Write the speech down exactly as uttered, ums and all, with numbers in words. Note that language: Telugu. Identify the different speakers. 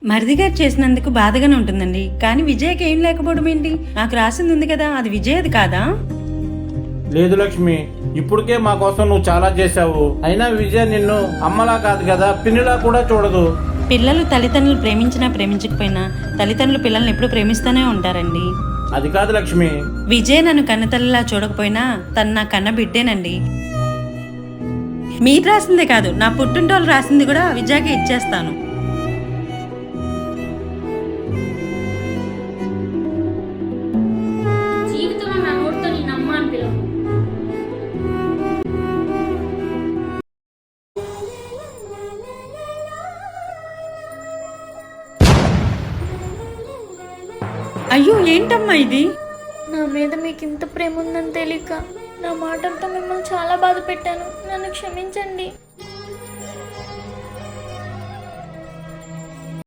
Speaker 1: మరిదిగారు చేసినందుకు బాధగానే ఉంటుందండి. కానీ విజయకి ఏం లేకపోవడం ఏంటి? నాకు రాసింది ఉంది కదా, అది విజయది కాదా?
Speaker 2: లేదు లక్ష్మి, ఇప్పటికే మా కోసం నువ్వు చాలా చేశావు. అయినా విజయ నిన్ను అమ్మలా కాదు కదా, పిన్నిలా కూడా చూడదు.
Speaker 1: పిల్లలు తల్లిదండ్రులు ప్రేమించినా ప్రేమించకపోయినా తల్లిదండ్రులు పిల్లల్ని ఎప్పుడు ప్రేమిస్తూనే ఉంటారండి.
Speaker 2: అది కాదు లక్ష్మి.
Speaker 1: విజయ్ నన్ను కన్నతల్లిలా చూడకపోయినా తను నా కన్న బిడ్డేనండి. మీరు రాసిందే కాదు, నా పుట్టింటోళ్ళు రాసింది కూడా విజయకి ఇచ్చేస్తాను.
Speaker 3: జీవితంలో నా నోటితో నేను అమ్మ అని పిలవను.
Speaker 1: అయ్యో ఏంటమ్మా ఇది?
Speaker 4: నా మీద మీకు ఇంత ప్రేమ ఉందని తెలియక నా మాటలతో మిమ్మల్ని చాలా బాధ పెట్టాను. నన్ను క్షమించండి.